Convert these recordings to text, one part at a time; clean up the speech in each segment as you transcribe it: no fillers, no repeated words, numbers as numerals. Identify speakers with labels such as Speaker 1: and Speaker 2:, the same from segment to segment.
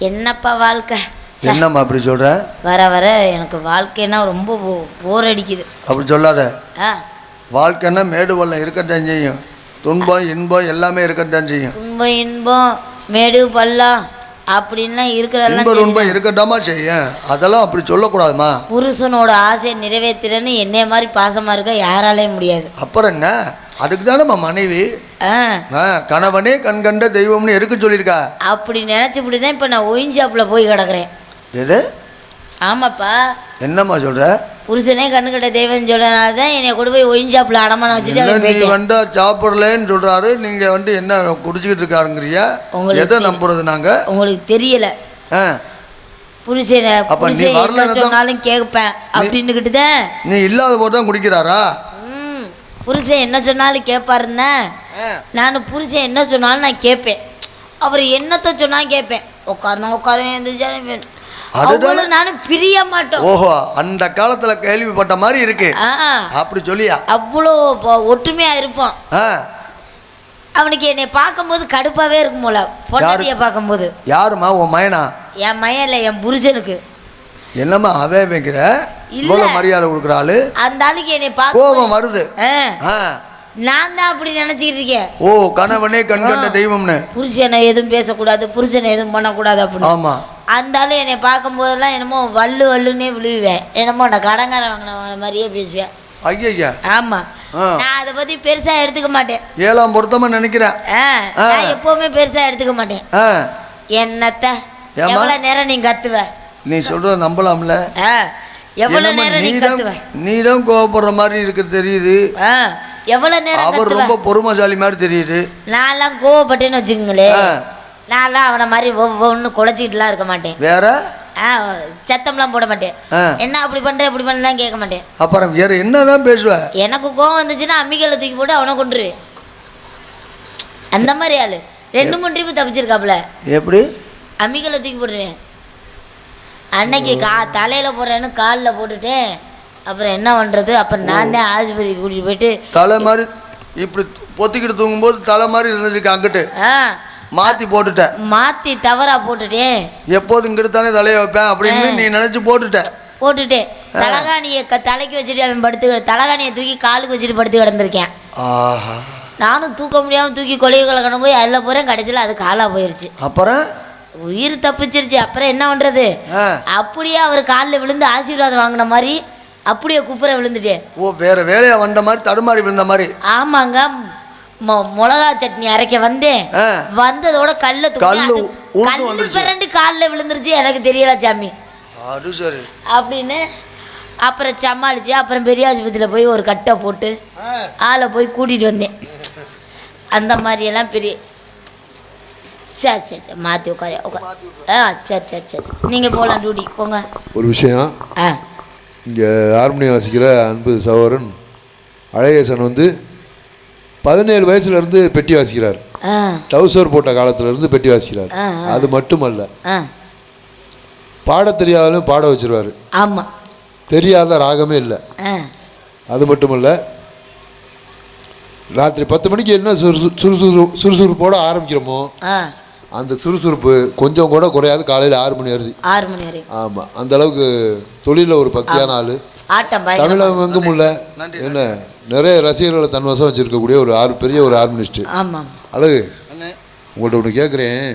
Speaker 1: என்னப்பா வாழ்க்கை?
Speaker 2: என்னம்மா அப்படி சொல்ற?
Speaker 1: வர வர எனக்கு வாழ்க்கைன்னா ரொம்ப போர் அடிக்குது.
Speaker 2: அப்படி சொல்லாத. வாழ்க்கைன்னா மேடு பள்ளம் இருக்கத்தான் செய்யும், துன்பம் இன்பம் எல்லாமே இருக்கத்தான் செய்யும்.
Speaker 1: துன்பம் இன்பம் மேடு பள்ளம் அப்படின்லாம் இருக்கிறதெல்லாம்
Speaker 2: துன்பம் இருக்கட்டாமா செய்யும், அதெல்லாம் அப்படி சொல்லக்கூடாதுமா.
Speaker 1: புருஷனோட ஆசையை நிறைவேற்றுறேன்னு என்னைய மாதிரி பாசமா இருக்க யாராலையும் முடியாது.
Speaker 2: அப்புறம் என்ன, அதுக்கு தானே மனைவி கணவனே கண் கண்ட தெய்வம்னு எதுக்கு சொல்லியிருக்கா?
Speaker 1: அப்படி நினைச்சுப்படிதான் இப்ப நான் ஒயின்ஷாப்ல போய் கிடக்குறேன்.
Speaker 2: எது?
Speaker 1: ஆமாப்பா.
Speaker 2: என்னம்மா சொல்ற? புருஷனே
Speaker 1: கண்ணு கட்ட தெய்வம் சொல்றதுனாலதான் என்னை கொண்டு போய் ஒயின்ஷாப்ல அடமான வச்சுட்டு
Speaker 2: நீ வந்தா சாப்பிடலன்னு சொல்றாரு, நீங்க என்ன குடிச்சுக்கிட்டு இருக்காருங்கிறியா? எதை நம்புறது நாங்க? உங்களுக்கு
Speaker 1: தெரியல. புருஷனை அப்ப நீ வரலனாலும் கேட்பேன் அப்படின்னுக்கிட்டுதான்.
Speaker 2: நீ இல்லாத போதுதான் குடிக்கிறாரா?
Speaker 1: புருஷன் என்ன சொன்னாலும் கேட்பாருன்னா, நான் புருஷன் என்ன சொன்னாலும் நான் கேட்பேன். அவர் என்னத்தை சொன்னாலும் கேட்பேன். உட்காரு எந்திரிச்சாலும் நானும் பிரிய மாட்டோம்.
Speaker 2: ஓஹோ, அந்த காலத்துல கேள்விப்பட்ட மாதிரி இருக்கு. அப்படி சொல்லியா?
Speaker 1: அவ்வளோ ஒற்றுமையா இருப்போம். அவனுக்கு என்னை பார்க்கும்போது கடுப்பாவே இருக்கும் போல, பொண்டாட்டியை பார்க்கும்போது.
Speaker 2: யாருமா? உன் மயனா?
Speaker 1: என் மயன் இல்லை, என் புருஷனுக்கு.
Speaker 2: என்னம்மா அவே வைக்கிற? இவ்வளவு மரியாதை கொடுக்குற ஆளு
Speaker 1: அந்த ஆளுக்கு என்னை பார்க்க
Speaker 2: கோபம் வருது.
Speaker 1: நான் தான் அப்படி நினைச்சுக்கிட்டு இருக்கேன்.
Speaker 2: ஓ, கணவனே கண் கண்ட தெய்வம்னு.
Speaker 1: புருஷனை எதுவும் பேசக்கூடாது, புருஷனை எதுவும் பண்ணக்கூடாது அப்படின்னு.
Speaker 2: ஆமா.
Speaker 1: அந்த ஆளு என்னை பார்க்கும் போதெல்லாம் என்னமோ வள்ளுன்னே விழுவேன். என்னமோ நான் கடங்கார வாங்கின மாதிரியே பேசுவேன்.
Speaker 2: ஐயா.
Speaker 1: ஆமா, நான் அதை பத்தி பெருசா எடுத்துக்க மாட்டேன்.
Speaker 2: ஏழாம் பொருத்தமா நினைக்கிறேன்.
Speaker 1: நான் எப்பவுமே பெருசா எடுத்துக்க மாட்டேன். என்னத்த எவ்வளவு நேரம் நீ கத்துவ?
Speaker 2: நீ சொல்ற நம்பலாம்ல.
Speaker 1: எவ்வளவு நேரம் நீ கத்துவ?
Speaker 2: நீதான் கோவப்படுற மாதிரி இருக்கு தெரியுது.
Speaker 1: எவ்வளவு நேரம்?
Speaker 2: அவர் ரொம்ப பொறுமைசாலி மாதிரி தெரியுது.
Speaker 1: நான்லாம் கோவப்பட்டேன்னு வச்சுக்கோங்களேன், நான்லாம் அவனை மாதிரி ஒவ்வொன்று குலைச்சிக்கிட்டுலாம் இருக்க மாட்டேன்.
Speaker 2: வேற
Speaker 1: சத்தம்லாம் போட மாட்டேன். என்ன அப்படி பண்ற இப்படி பண்ணலாம் கேட்க மாட்டேன்.
Speaker 2: அப்புறம் வேற என்னதான் பேசுவ?
Speaker 1: எனக்கு கோவம் வந்துச்சுன்னா அம்மிக்கல்ல தூக்கி போட்டு அவனை கொண்டுருவேன். அந்த மாதிரி ஆளு 2-3 ட்ரிப்பு தப்பிச்சிருக்காப்புல.
Speaker 2: எப்படி?
Speaker 1: அம்மிக்கல்ல தூக்கி போட்டுருவேன். அன்னைக்கு தலையில போடுறேன்னு காலில் போட்டுட்டேன். அப்புறம் என்ன பண்றது? அப்புறம் நான் தான் ஆஸ்பத்திரிக்கு கூட்டிட்டு போயிட்டு
Speaker 2: தலை மாதிரி இப்படி பொத்திக்கிட்டு தூங்கும்போது தலை மாதிரி இருந்துச்சு, அங்கிட்டு மாத்தி போட்டுட்டேன்.
Speaker 1: மாத்தி தவறா போட்டுட்டேன்.
Speaker 2: எப்போது இங்கிட்டு தானே தலையை வைப்பேன் அப்படின்னு நீ நினைச்சு போட்டுட்டேன்.
Speaker 1: தலகாணியை தலைக்கு வச்சுட்டு அவன் படுத்து, தலகாணியை தூக்கி காலுக்கு வச்சுட்டு படுத்து கிடந்திருக்கேன். நானும் தூக்க முடியாம தூக்கி கொலையை கலக்கணும் போய் அதில் போறேன். கடைசியில் அது காலா போயிருச்சு.
Speaker 2: அப்புறம்
Speaker 1: உயிர் தப்பிச்சிருச்சு. அப்புறம் என்ன பண்றது? அப்படியே அவர் காலில் விழுந்து ஆசீர்வாதம் வாங்கின மாதிரி அப்படியே குப்புற விழுந்துட்டேன்.
Speaker 2: ஓ, வேற வேலையா வந்த மாதிரி தடுமாறி விழுந்த மாதிரி.
Speaker 1: ஆமாங்க. மிளகா சட்னி அரைக்க வந்தேன். வந்ததோட கல்ல பிறண்டு காலில் விழுந்துருச்சு. எனக்கு தெரியல சாமி அப்படின்னு. அப்புறம் சமாளிச்சு அப்புறம் பெரிய ஆஸ்பத்திரியில் போய் ஒரு கட்டை போட்டு ஆளை போய் கூட்டிட்டு வந்தேன். அந்த மாதிரி எல்லாம் பெரிய சரி மாற்றி உட்கார. சரி நீங்கள் போகலாம், டியூட்டி போங்க.
Speaker 3: ஒரு விஷயம், இங்கே ஹார்மோனியம் வாசிக்கிற அன்பு சகோதரன் அழகேசன் 17 வயசுலேருந்து பெட்டி வாசிக்கிறார். டவுசர் போட்ட காலத்துலேருந்து பெட்டி வாசிக்கிறார். அது மட்டுமல்ல, பாட தெரியாதாலும் பாட வச்சிருவார்.
Speaker 1: ஆமாம்,
Speaker 3: தெரியாத ராகமே இல்லை. அது மட்டுமல்ல, ராத்திரி 10 மணிக்கு என்ன சுறுசுறுப்போட ஆரம்பிக்கிறோமோ அந்த சுறுசுறுப்பு கொஞ்சம் கூட குறையாது. காலையில் 6 மணி வரை. ஆமாம், அந்த அளவுக்கு தொழிலில் ஒரு பக்தியான ஆள். தமிழகம் எங்கும் உள்ள என்ன நிறைய ரசிகர்களை தன்வசம் வச்சிருக்கக்கூடிய ஒரு பெரிய ஒரு ஹார்மோனிஸ்ட். அழகு, உங்கள்கிட்ட ஒன்று கேட்குறேன்.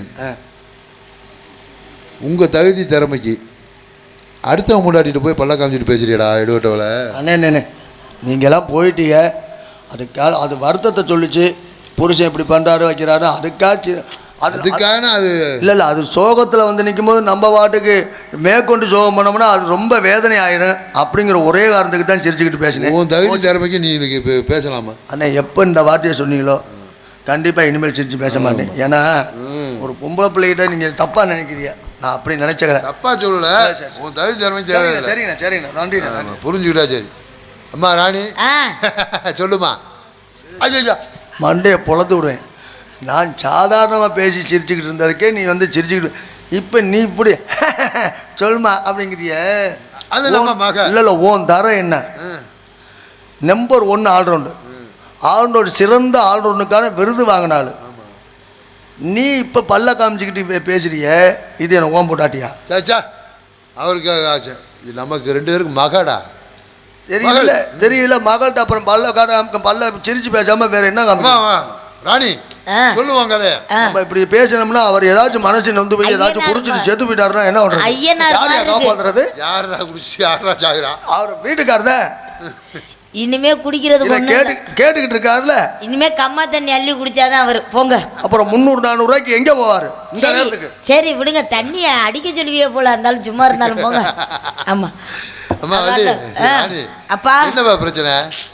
Speaker 3: உங்கள் தகுதி திறமைக்கு அடுத்தவங்க முன்னாடிட்டு போய் பல்ல காமிச்சிட்டு பேசுறியடா எடுவட்டவளை?
Speaker 2: அண்ணே, நீங்களாம் போயிட்டீங்க. அது வருத்தத்தை சொல்லிச்சு. புருஷன் இப்படி பண்ணுறாரு வைக்கிறாரு, அதுக்கான அது இல்லை. அது சோகத்தில் நிற்கும் போது நம்ம பாட்டுக்கு மேற்கொண்டு சோகம் பண்ணோம்னா அது ரொம்ப வேதனை ஆயிடும். அப்படிங்கிற ஒரே காரணத்துக்கு தான் சிரிச்சுக்கிட்டு பேசினேன்.
Speaker 3: உன் தகுதி திறமைக்கு நீ இதுக்கு பேசலாமா?
Speaker 2: அண்ணே, எப்போ இந்த வார்த்தையை சொன்னீங்களோ கண்டிப்பாக இனிமேல் சிரிச்சு பேச மாட்டேன். ஏன்னா ஒரு பொம்பளை பிள்ளைகிட்ட நீங்கள் தப்பாக நினைக்கிறீங்க. நான் அப்படி நினைச்சுக்கிறேன்.
Speaker 3: தப்பாக சொல்லலை. உன் தகுதி திறமை தேவை.
Speaker 2: சரிண்ணா நன்றி.
Speaker 3: புரிஞ்சுக்கிட்டா சரி. அம்மா ராணி சொல்லுமா.
Speaker 2: ஐயா, மண்டையை பொழந்து விடுவேன். நான் சாதாரணமாக பேசி சிரிச்சுக்கிட்டு இருந்ததுக்கே நீ சிரிச்சுக்கிட்டு இப்போ நீ இப்படி சொல்லுமா அப்படிங்கிறிய. இல்லை ஓன் தரம் என்ன? Number 1 allround. சிறந்த ஆல்ரவுண்டுக்கான விருது வாங்கினாள். நீ இப்போ பல்ல காமிச்சிக்கிட்டு பேசுறிய, இது எனக்கு ஓம் போட்டாட்டியா?
Speaker 3: சாச்சா அவருக்கு ஆச்சு, நமக்கு 2 பேருக்கு மகடா.
Speaker 2: தெரியல தெரியல மகள்கிட்ட அப்புறம் பல்ல சிரிச்சு பேசாம வேற என்ன காமி?
Speaker 3: ராணி சொல்லுவாங்க
Speaker 2: நம்ம இப்படி பேசணும்னா அவர் ஏதாச்சும் மனசு நொந்து போய் ஏதாச்சும் குடிச்சிட்டு செத்து போயிட்டாருன்னா என்ன பண்றது? யாரையா காப்பாத்துறது?
Speaker 3: யாரா குடிச்சு யாரா சாகுறா?
Speaker 2: அவர் வீட்டுக்காரத
Speaker 1: இனிமே குடிக்கிறது
Speaker 2: கேட்டுக்கிட்டு இருக்காருல்ல.
Speaker 1: இனிமே கம்மா தண்ணி அள்ளி குடிச்சாதான் அவர் போங்க.
Speaker 2: அப்புறம் 300-400 ரூபாய்க்கு எங்க போவாரு இந்த நேரத்துக்கு?
Speaker 1: சரி விடுங்க, தண்ணிய அடிக்க சொல்லுவியே போல இருந்தாலும் சும்மா இருந்தாலும் போங்க. ஆமா அப்பா
Speaker 3: என்னப்பா பிரச்சனை?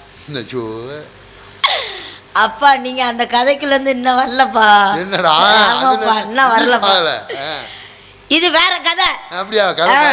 Speaker 1: அப்பா நீங்க அந்த கதைக்குள்ள இருந்து இன்னும் வரலப்பா.
Speaker 3: என்னடா
Speaker 1: இன்னும் வரலப்பா, இது வேற கதை.
Speaker 3: அப்படியா?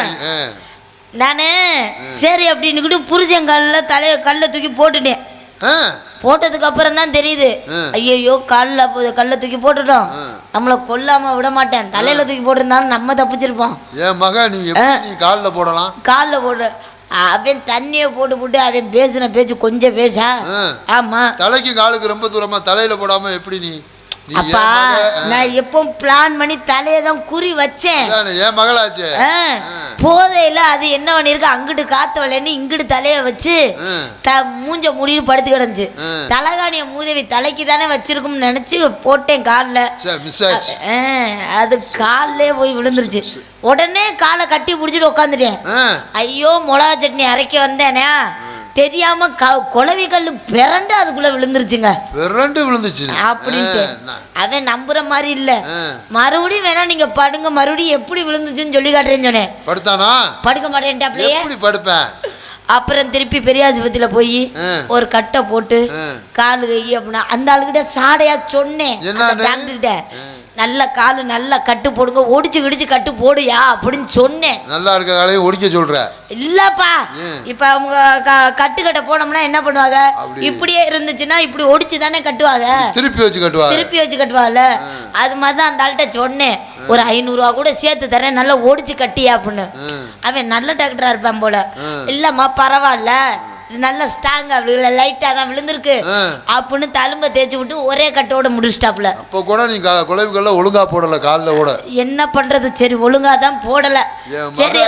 Speaker 1: நானு சரி அப்படின்னு புருஷங்கல்ல கல்ல தூக்கி போட்டுட்டேன். போட்டதுக்கு அப்புறம் தான் தெரியுது, ஐயோ கல்ல தூக்கி போட்டுட்டோம், நம்மள கொல்லாம விட மாட்டேன், தலையில தூக்கி போட்டிருந்தாலும் நம்ம தப்பிச்சிருப்போம்.
Speaker 3: என் மக நீ கால்ல போடலாம்,
Speaker 1: கால்ல போடு. அவன் தண்ணியை போட்டு அவன் பேசின பேச்சு கொஞ்சம் பேசா. ஆமா,
Speaker 3: தலைக்கு காலுக்கு ரொம்ப தூரமா, தலையில போடாம எப்படி நீ?
Speaker 1: அப்பா நான் எப்போ பிளான் பண்ணி தலையை தான் குறி வச்சேன்.
Speaker 3: என் மகளாச்சு
Speaker 1: போதையில அது என்ன பண்ணிருக்கு, அங்கிட்டு காத்து வரலன்னு இங்கிட்டு தலைய வச்சு மூஞ்ச முடின்னு படுத்து கிடந்துச்சு. தலகாணிய மூதவி தலைக்கு தானே வச்சிருக்கும்னு நினைச்சு போட்டேன் காலில். அது காலிலே போய் விழுந்துருச்சு. உடனே காலை கட்டி பிடிச்சிட்டு உட்காந்துட்டேன். ஐயோ மிளகா சட்னி அரைக்க வந்தேனே தெரியாம குளவி கல்லு பிறண்டு அதுக்குள்ள விழுந்துருச்சுங்க.
Speaker 3: பிறண்டு விழுந்துச்சு
Speaker 1: அப்படின்ட்டு அவன் நம்புற மாதிரி இல்ல. மறுபடியும் வேணா நீங்க படுங்க, மறுபடியும் எப்படி விழுந்துச்சுன்னு சொல்லி காட்டுறேன்னு சொன்னேன்.
Speaker 3: படுத்தானா?
Speaker 1: படுக்க மாட்டேன்ட்டு அப்படியே
Speaker 3: படுப்பேன்.
Speaker 1: அப்புறம் திருப்பி பெரியாஸ்பத்திரியில போய் ஒரு கட்டை போட்டு காலு கை அப்படின்னா அந்த ஆளுகிட்ட சாடையா சொன்னேன். டாக்டர் கிட்ட நல்ல காலு நல்லா கட்டு போடுங்க, ஒடிச்சு கிடிச்சு கட்டு போடுயா அப்படின்னு சொன்னேன்.
Speaker 3: நல்லா இருக்க காலையும் ஒடிக்க சொல்ற
Speaker 1: இல்லப்பா. இப்ப அவங்க கட்டுக்கட்ட போனோம்னா என்ன பண்ணுவாங்க, இப்படியே இருந்துச்சுன்னா இப்படி ஒடிச்சு தானே கட்டுவாங்க, திருப்பி வச்சு கட்டுவாங்கல்ல. அது மாதிரிதான் அந்த ஆள்கிட்ட சொன்னேன், ஒரு 500 ரூபா கூட சேர்த்து தரேன், நல்லா ஒடிச்சு கட்டியா அப்படின்னு. அவன் நல்ல டாக்டரா இருப்பான் போல. இல்லம்மா பரவாயில்ல, நல்ல ஸ்ட்ராங்கா லைட்டா தான் விழுந்திருக்கு அப்படின்னு தழும்ப தேய்ச்சி விட்டு ஒரே கட்டோட முடிச்சிட்டாப்ல.
Speaker 3: அப்போ கூட நீ குழவிகள்ல ஒழுங்கா போடல, காலில் கூட
Speaker 1: என்ன பண்றது, சரி ஒழுங்கா தான் போடல. சரி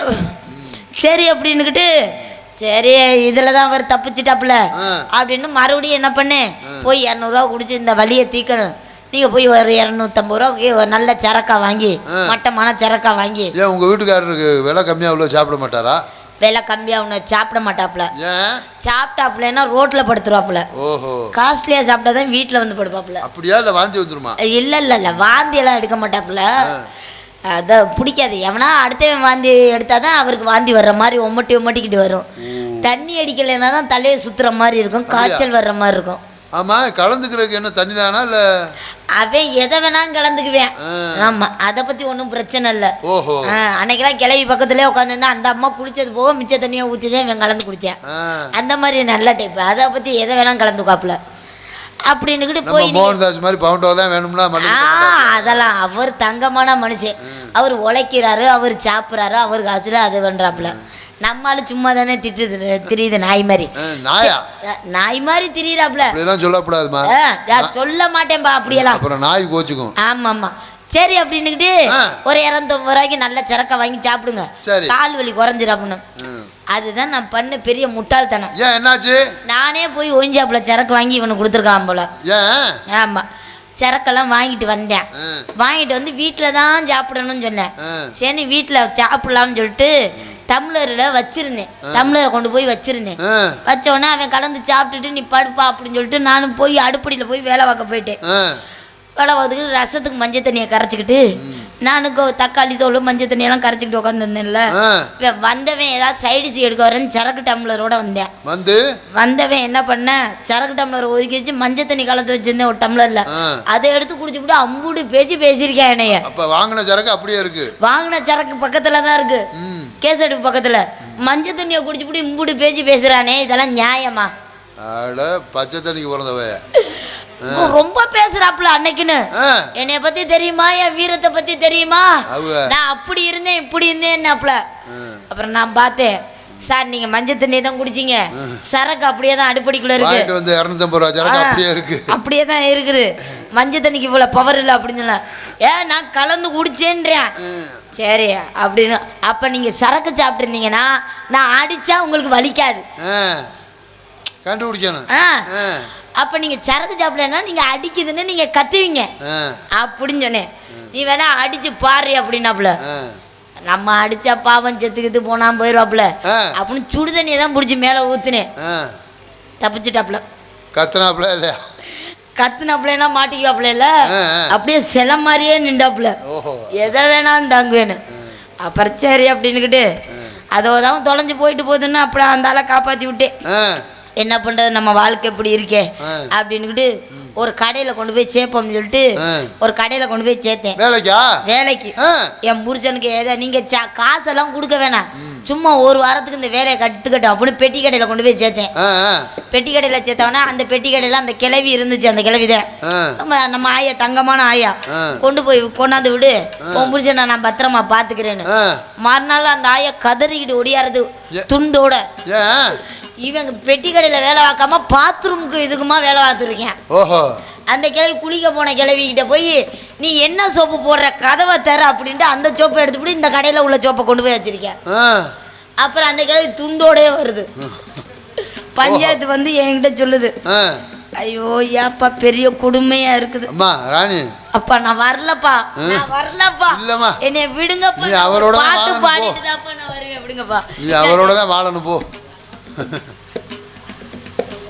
Speaker 1: சரி அப்படின்னுக்கிட்டு சரி இதுல தான் அவர் தப்பிச்சிட்டாப்ல அப்படின்னு மறுபடியும் என்ன பண்ணேன், போய் 200 ரூபா குடிச்சு இந்த வலியை தீக்கணும், நீங்க போய் ஒரு 250 ரூபாய்க்கு நல்ல சரக்கா வாங்கி, மட்டமான சரக்கா வாங்கி.
Speaker 3: ஏன் உங்க வீட்டுக்காரருக்கு விலை கம்மியா உள்ள சாப்பிட மாட்டாரா?
Speaker 1: விலை கம்மியா ஒன்று சாப்பிட மாட்டாப்புல. சாப்பிட்டாப்புலன்னா ரோட்ல படுத்துருவாப்புல. காஸ்ட்லியா சாப்பிட்டாதான் வீட்டுல வந்து படுப்பாப்புல.
Speaker 3: அப்படியா? இல்ல வாந்தி வந்துருமா?
Speaker 1: இல்ல வாந்தி எல்லாம் எடுக்க மாட்டாப்புல. அத பிடிக்காது. எவனா அடுத்தவன் வாந்தி எடுத்தாதான் அவருக்கு வாந்தி வர்ற மாதிரி ஒம்மட்டிக்கிட்டு வரும். தண்ணி அடிக்கலைன்னா தான் தலையை சுத்துற மாதிரி இருக்கும், காய்ச்சல் வர்ற மாதிரி இருக்கும்.
Speaker 3: ஆமா, கலந்துக்கிறதுக்கு என்ன தண்ணி தானா? இல்ல
Speaker 1: அவன் எதை வேணாலும் கலந்துக்குவேன். ஆமா, அதை பத்தி ஒன்றும் பிரச்சனை இல்லை. அன்னைக்கெல்லாம் கிளவி பக்கத்துலேயே உட்காந்துருந்தா அந்த அம்மா குளிச்சது போக மிச்ச தண்ணியை ஊற்றிதான் இவன் கலந்து குடித்தேன். அந்த மாதிரி நல்ல டைப். அதை பத்தி எதை வேணாலும் கலந்துக்காப்புல அப்படின்னுக்கிட்டு போய்
Speaker 3: மோகன்தாஸ் மாதிரி பவுண்டோ தான் வேணும்னா
Speaker 1: அதெல்லாம் அவர் தங்கமான மனுஷன். அவர் உழைக்கிறாரு, அவர் சாப்பிட்றாரு, அவர் காசுல அது பண்றாப்புல. நம்மளும் சும்மா தானே திரியுது நாய் மாதிரி. நாய் மாதிரி திரியிறாப்புல.
Speaker 3: சொல்லக்கூடாதுமா,
Speaker 1: சொல்ல மாட்டேன்பா அப்படியெல்லாம்,
Speaker 3: அப்புறம் நாய் கோச்சுக்கும்.
Speaker 1: ஆமா ஆமா சரி அப்படின்னுக்கிட்டு ஒரு 250 ரூபாய்க்கு நல்ல சரக்கை வாங்கி சாப்பிடுங்க, கால் வலி குறைஞ்சிரும் அப்படின்னு. அதுதான் நான் பண்ண பெரிய முட்டாள்தனம்.
Speaker 3: என்னாச்சு?
Speaker 1: நானே போய் ஒஞ்சாப்புல சரக்கு வாங்கி இவனுக்கு கொடுத்துருக்கான் போல. ஆமா, சரக்கெல்லாம் வாங்கிட்டு வந்தேன். வாங்கிட்டு வந்து வீட்டில் தான் சாப்பிடணும்னு சொன்னேன். சரி வீட்டில் சாப்பிடலாம்னு சொல்லிட்டு டம்ளரில் வச்சிருந்தேன். டம்ளரை கொண்டு போய் வச்சிருந்தேன். வச்ச உடனே அவன் கலந்து சாப்பிட்டுட்டு நீ படுப்பா அப்படின்னு சொல்லிட்டு நானும் போய் அடுப்படியில் போய் வேலை பார்க்க போயிட்டேன். வேலை பார்த்துக்கிட்டு ரசத்துக்கு மஞ்சள் தண்ணியை கரைச்சிக்கிட்டு நானுக்கு தக்காளி தோல் மஞ்சள் தண்ணியெல்லாம் கரைச்சிக்கிட்டு உட்காந்துருந்தேன்ல. வந்தவன் ஏதாவது சைடிச்சு எடுக்க வரேன்னு சரக்கு டம்ளரோட வந்தேன். வந்தவன் என்ன பண்ண, சரக்கு டம்ளர் ஒதுக்கி வச்சு மஞ்சள் தண்ணி கலந்து வச்சிருந்தேன் ஒரு டம்ளர்ல. அதை எடுத்து குடிச்சுக்கிட்டு அம்பூடு பேசியிருக்கேன் என்னைய.
Speaker 3: வாங்கின சரக்கு அப்படியே இருக்கு.
Speaker 1: வாங்கின சரக்கு பக்கத்துல தான் இருக்கு, கேசடுப்பு பக்கத்துல. மஞ்சள் தண்ணியை குடிச்சுட்டு இம்பூடு பேசுறானே, இதெல்லாம் நியாயமா?
Speaker 3: பச்சை தண்ணிக்கு பிறந்தவ
Speaker 1: ரொம்ப பேசுறாப்புல அன்னைக்குன்னு. என்னைய பத்தி தெரியுமா, என் வீரத்தை பத்தி தெரியுமா, நான் அப்படி இருந்தேன் இப்படி இருந்தேன். அப்புறம் நான் பார்த்தேன் சார் நீங்க மஞ்சள் தண்ணி தான் குடிச்சிங்க, சரக்கு அப்படியே தான் அடுப்படிக்குள்ள இருக்கு.
Speaker 3: வாங்கிட்டு வந்து 250 ரூபா சரக்கு அப்படியே இருக்கு.
Speaker 1: அப்படியே தான் இருக்குது. மஞ்சள் தண்ணிக்கு இவ்வளோ பவர் இல்லை அப்படின்னு சொன்னா, நான் கலந்து குடிச்சேன்றேன். சரி அப்படின்னு. அப்போ நீங்கள் சரக்கு சாப்பிட்டுருந்தீங்கன்னா நான் அடித்தா உங்களுக்கு வலிக்காது,
Speaker 3: கண்டுபிடிக்கணும்.
Speaker 1: அப்போ நீங்கள் சரக்கு சாப்பிடலன்னா நீங்கள் அடிக்குதுன்னு நீங்கள் கத்துவீங்க அப்படின்னு சொன்னேன். நீ வேணா அடிச்சு பாரு அப்படின்னாப்புல. நம்ம அடிச்சா பாவம் செத்துக்கிட்டு போனான் போயிடுவாப்புல அப்படின்னு சுடு தண்ணியை தான் பிடிச்சி மேலே ஊத்துனேன். தப்பிச்சுட்டாப்புல.
Speaker 3: கத்துனாப்புல இல்லையா?
Speaker 1: கத்துனாப்புலன்னா மாட்டிக்குவாப்புல இல்ல, அப்படியே சில மாதிரியே நின்றாப்புல. எதை வேணாலும் டாங்குவேன்னு. அப்புறம் சரி அப்படின்னுக்கிட்டு அதோதான் தொலைஞ்சு போயிட்டு போகுதுன்னு அப்படியே அந்த ஆளை காப்பாற்றி விட்டேன். என்ன பண்ணுறது, நம்ம வாழ்க்கை எப்படி இருக்கே அப்படின்னுக்கிட்டு ஒரு கடையில் கொண்டு போய் சேர்ப்போம்னு சொல்லிட்டு ஒரு கடையில் கொண்டு போய் சேர்த்தேன். வேலைக்கு என் புருஷனுக்கு ஏதோ நீங்கள் காசெல்லாம் கொடுக்க வேணாம், சும்மா ஒரு வாரத்துக்கு இந்த வேலையை கற்றுக்கட்டும் அப்படின்னு பெட்டி கடையில் கொண்டு போய் சேர்த்தேன். பெட்டி கடையில் சேர்த்தவொடனே அந்த பெட்டி கடையில் அந்த கிளவி இருந்துச்சு. அந்த கிளவி தான் நம்ம ஆயா, தங்கமான ஆயா. கொண்டாந்து விடு, உன் புருஷனை நான் பத்திரமா பார்த்துக்கிறேன்னு. மறுநாள் அந்த ஆயா கதறிக்கிட்டு ஒடியாருது துண்டோட. இவங்க பெட்டி கடையில் வேலை பார்க்காம பாத்ரூமுக்கு இதுக்குமா வேலை பார்த்துருக்கேன். அந்த கிளவி குளிக்க போன கிளவிக்கிட்ட போய் நீ என்ன சோப்பு போடுற, கதவை தர அப்படின்ட்டு அந்த சோப்பை எடுத்துக்கிட்டு இந்த கடையில் உள்ள சோப்பை கொண்டு போய் வச்சிருக்கேன். அப்புறம் அந்த கிளவி துண்டோடே வருது. பஞ்சாயத்து வந்து என்கிட்ட சொல்லுது, ஐயோ ஏப்பா பெரிய கொடுமையா இருக்குது. அப்பா நான் வரலப்பா, நான் வரலப்பா, என்னை விடுங்கப்பா, பாட்டு பாடிட்டு தான்ப்பா நான் வருவேன், விடுங்கப்பா,
Speaker 3: அவரோட தான் வாழணும் போ.